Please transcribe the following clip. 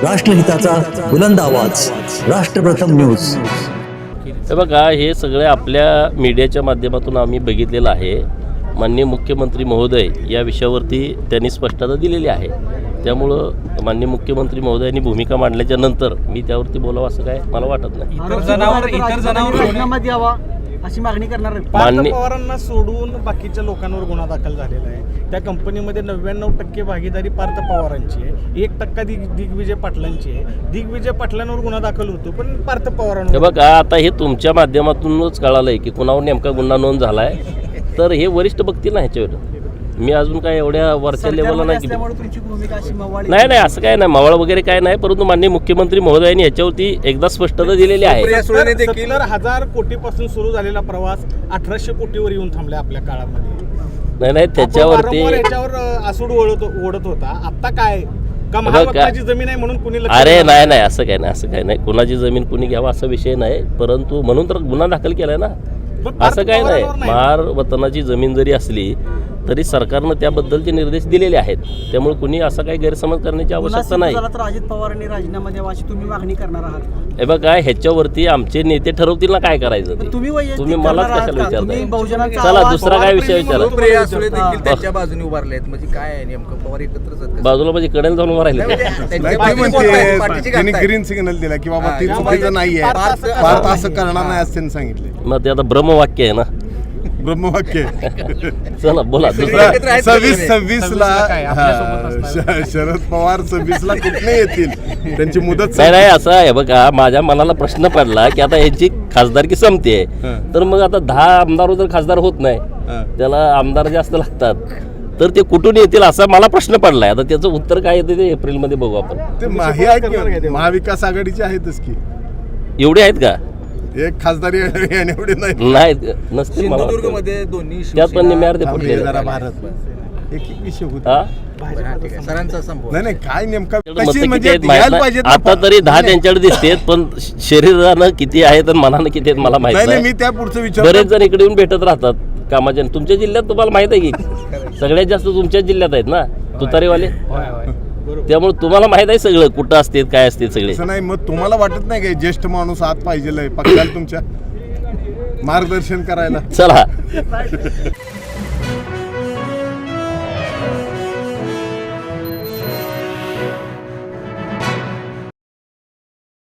राष्ट्रहिताचा बुलंद आवाज, राष्ट्रप्रथम न्यूज. हे बघा, हे सगळे आपल्या मीडियाच्या माध्यमातून आम्ही बघितलेलं आहे. माननीय मुख्यमंत्री महोदय या विषयावरती त्यांनी स्पष्टता दिलेली आहे. त्यामुळं माननीय मुख्यमंत्री महोदयांनी भूमिका मांडल्याच्या नंतर मी त्यावरती बोलावं असं काय मला वाटत नाही. इतर जनावर राजीनामा द्यावा अशी मागणी करणार आहे. पार्थ पवारांना सोडून बाकीच्या लोकांवर गुन्हा दाखल झालेला आहे. त्या कंपनीमध्ये 99% भागीदारी पार्थ पवारांची आहे, 1% दिग्विजय पाटलांची आहे. दिग्विजय पाटलांवर गुन्हा दाखल होतो पण पार्थ पवारांवर. हे बघा, आता हे तुमच्या माध्यमातूनच कळालंय की कुणावर नेमका गुन्हा नोंद झालाय. तर हे वरिष्ठ बघतील ना ह्याच्यावर. मी अजून काय एवढ्या वरच्या लेवलला नाही. नाही असं काय नाही, मावळ वगैरे काय नाही. परंतु माननीय मुख्यमंत्री महोदयांनी याच्यावरती एकदा स्पष्टता दिलेली आहे. 70,000 कोटीपासून सुरू झालेला प्रवास 1800 कोटीवर येऊन थांबला आपल्या काळामध्ये. नाही त्याच्यावरती आसूड ओढत होता. आता काय महाराष्ट्राची जमीन आहे म्हणून कुणी अरे नाही असं काय नाही. कुणाची जमीन कुणी घ्यावा असा विषय नाही. परंतु म्हणून तर गुन्हा दाखल केलाय ना. असं काय नाही. महार वतनाची जमीन जरी असली तरी सरकारनं त्याबद्दलचे निर्देश दिलेले आहेत. त्यामुळे कुणी असा काही गैरसमज करण्याची आवश्यकता नाही. अजित पवारांनी राजीनामा द्यावा अशी तुम्ही मागणी करणार आहात? हे बघा, ह्याच्यावरती आमचे नेते ठरवतील ना काय करायचं ते. तुम्ही मलाच कशाला विचारता? चला दुसरा काय विषय विचारा. त्यांच्या बाजूने उभारले आहेत म्हणजे काय आहे नेमकं? पवार एकत्रच बाजूला म्हणजे कडेला जाऊन उभं राहिले. त्यांनी ग्रीन सिग्नल दिला की बाबा ती चुकीचं नाहीये, भारत असं करणार नाही असं त्यांनी सांगितले. मग ते आता ब्रह्मवाक्य आहे ना, ब्रह्मवाक्य. चला बोला. 26 ला शरद पवार 26 ला कुठे येतील, त्यांची मुदत नाही असं आहे. बघा, माझ्या मनाला प्रश्न पडला की आता यांची खासदारकी संपते, तर मग आता 10 आमदार जर खासदार होत नाही, त्याला आमदार जास्त लागतात, तर ते कुठून येतील असा मला प्रश्न पडलाय. आता त्याचं उत्तर काय येते ते एप्रिलमध्ये बघू आपण. ते महाविकास आघाडीचे आहेतच की. एवढे आहेत का? एक खासदारी एवढे नाही नसतील. सिंधुदुर्गमध्ये दोन्ही त्यात पण निम्यावर ते फुटले. एक विषय होता सरांचा संभव नाही काय नेमका आता तरी 10 त्यांच्याकडे दिसतेत, पण शरीरानं किती आहेत आणि मनानं किती आहेत मला माहिती नाही. मी त्या पुढचं विचार. बरेच जण इकडे येऊन भेटत राहतात कामाच्या. तुमच्या जिल्ह्यात तुम्हाला माहित आहे की सगळ्यात जास्त तुमच्याच जिल्ह्यात आहेत ना तुतारीवाले. त्यामुळे तुम्हाला माहित आहे सगळं कुठं असते काय असते सगळे. नाही मग तुम्हाला वाटत नाही काय ज्येष्ठ माणूस आत पाहिजे पक्षाला तुमच्या मार्गदर्शन करायला? चला.